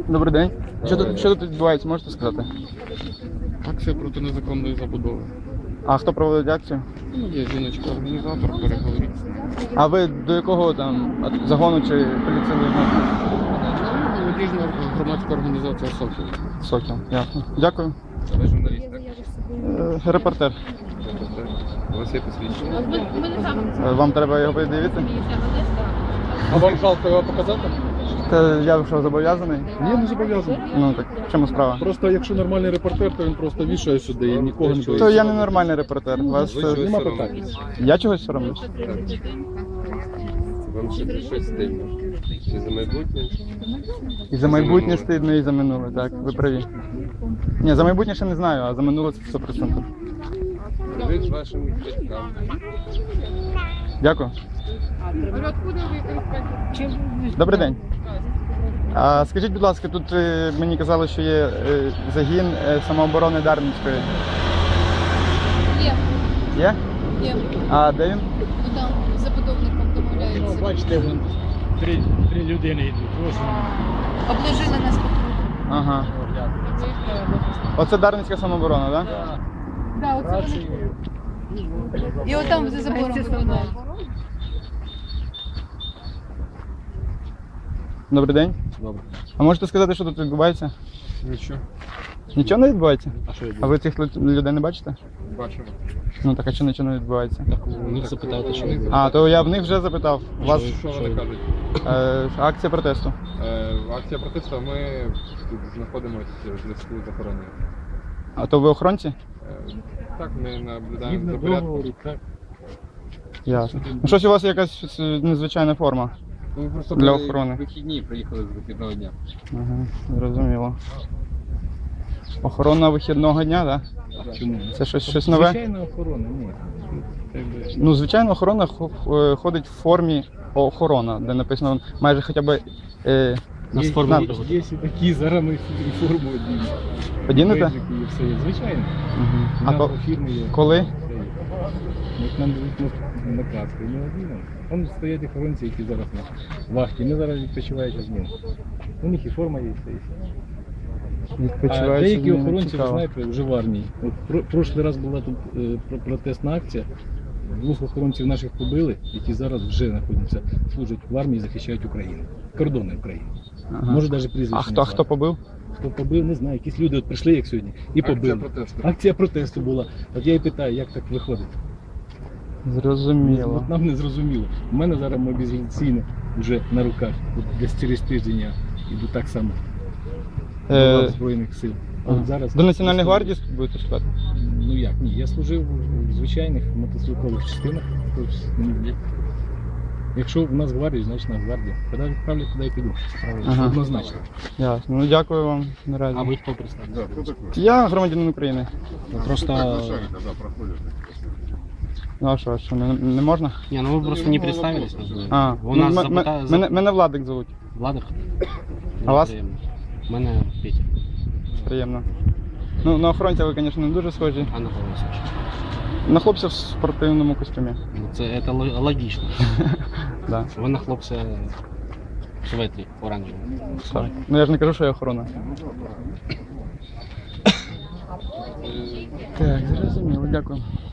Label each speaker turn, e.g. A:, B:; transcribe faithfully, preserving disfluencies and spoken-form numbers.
A: Добрий день. Що тут, що тут відбувається, можете сказати?
B: Акція проти незаконної забудови.
A: А хто проводить акцію?
B: Ну, є жіночка-організатор, переговоріть.
A: А ви до якого там загону чи поліції відноситесь?
B: Молодіжна громадська організація «Сокіл».
A: Сокіл, ясно. Дякую.
B: Ви журналіст, так?
A: Е, Репортер.
B: У вас є посвідчення?
A: Е, Вам треба його подивитися?
B: А вам жалко його показати?
A: Та я що, зобов'язаний?
C: Ні, не зобов'язаний.
A: Ну так, в чому справа?
C: Просто якщо нормальний репортер, то він просто вішає сюди і нікого не
A: То
C: боїться.
A: я не нормальний репортер. Вас,
B: Ви
A: е,
B: чогось
C: Нема
B: соромитесь?
C: питань.
A: я чогось соромлюсь?
B: Вам ще щось стильно? Чи за майбутнє?
A: І за майбутнє стидно, і за минуле, так, ви праві. Ні, за майбутнє ще не знаю, а за минуле це сто відсотків.
B: Привіт вашим батькам.
A: Дякую. Добрий день. А скажіть, будь ласка, тут е, мені казали, що є е, загін е, самооборони Дарницької.
D: Є,
A: Є?
D: є.
A: А де він?
D: Ну там з забудовником домовляються.
E: Бачите, вон три, три людини йдуть. Ось вони.
D: Обложили нас по кругу.
A: Ага. Оце Дарницька самооборона, так? Да?
D: Да, оце вони. І отам за забором виглядають.
A: Добрий день.
B: Добре.
A: А можете сказати, що тут відбувається?
B: Нічого.
A: Нічого не відбувається?
B: А що
A: А ви цих лю- людей не бачите?
B: Бачимо.
A: Ну так, а що нічого не відбувається?
B: У них запитати, що вони
A: А, то я в них вже запитав. У вас
B: Що вони кажуть?
A: е, акція протесту.
B: Е, Акція протесту, ми тут знаходимося в зв'язку з охороною.
A: А то ви охоронці?
B: Е, Так, ми наблюдаємо
E: Згідно
B: за порядком.
E: договору, так.
A: Ясно. Ну щось у вас якась е, незвичайна форма.
B: Ми просто
A: Для
B: були
A: охорони.
B: вихідні, приїхали з вихідного дня.
A: Ага, зрозуміло. Охорона вихідного дня, так? Да?
E: Чому?
A: Це щось, щось нове?
E: Звичайна охорона, ні. Якби,
A: Ну, звичайно, охорона хо- е, ходить в формі охорона, де написано майже хоча б е,
E: є,
A: надпис.
E: є, є і такі, зараз ми і форму одні.
A: Одінете?
E: Бейджики і все є. Звичайно.
A: Угу. А
E: Назва
A: ко-
E: фірми є.
A: коли?
E: Все є. Як нам дають на- наказ, то не одінемо. Там стоять охоронці, які зараз на вахті. Ми зараз відпочиваючи з ним. У них і форма є, і все. і все. А
A: Відпочиваючи
E: деякі
A: з ними,
E: охоронці, ви
A: цікаво.
E: знаєте, вже в армії. От про, прошлий раз була тут е, про- протестна акція. Двох охоронців наших побили, які зараз вже знаходяться, служать в армії, захищають Україну. Кордони України.
A: Ага.
E: Може навіть прізвище.
A: А хто,
E: назвати.
A: хто побив?
E: Хто побив, не знаю. Якісь люди от прийшли, як сьогодні, і
B: Акція
E: побили.
B: протесту.
E: Акція протесту була. От я і питаю, як так виходить?
A: Зрозуміло.
E: От нам не зрозуміло. У мене зараз мобілізаційне вже на руках. От десь через тиждень я йду так само до
A: Е,
E: лав Збройних сил. А
A: ага.
E: от зараз
A: До Національної гвардії будете шукати?
E: Ну як, ні, я служив в звичайних мотострілкових частинах. Тобто, ну, якщо в нас гвардія, значить нас гвардія. Коли відправлять, туди і піду.
A: Ага.
E: Однозначно.
A: Ясно. Ну дякую вам наразі.
E: А ви хто представляєте?
A: Я громадянин України.
E: Просто...
A: Ну а що, що не, не можна?
F: Не, ну вы просто не представились. называется.
A: А,
F: У
A: ну,
F: нас
A: м-
F: запита...
A: м-
F: зап-
A: мене, мене Владик звуть.
F: Владик.
A: А вас?
F: Взаємно. Мене Петя.
A: Приємно. Ну, на охоронця ви, звісно, не дуже схожі.
F: Анна Павлович.
A: На хлопця в спортивному костюмі.
F: Ну, це, це ло- логічно.
A: Да.
F: Ви на хлопця шветрі оранжеві.
A: Так. Ну я ж не кажу, що я охорона. Так, зрозуміло, дякую.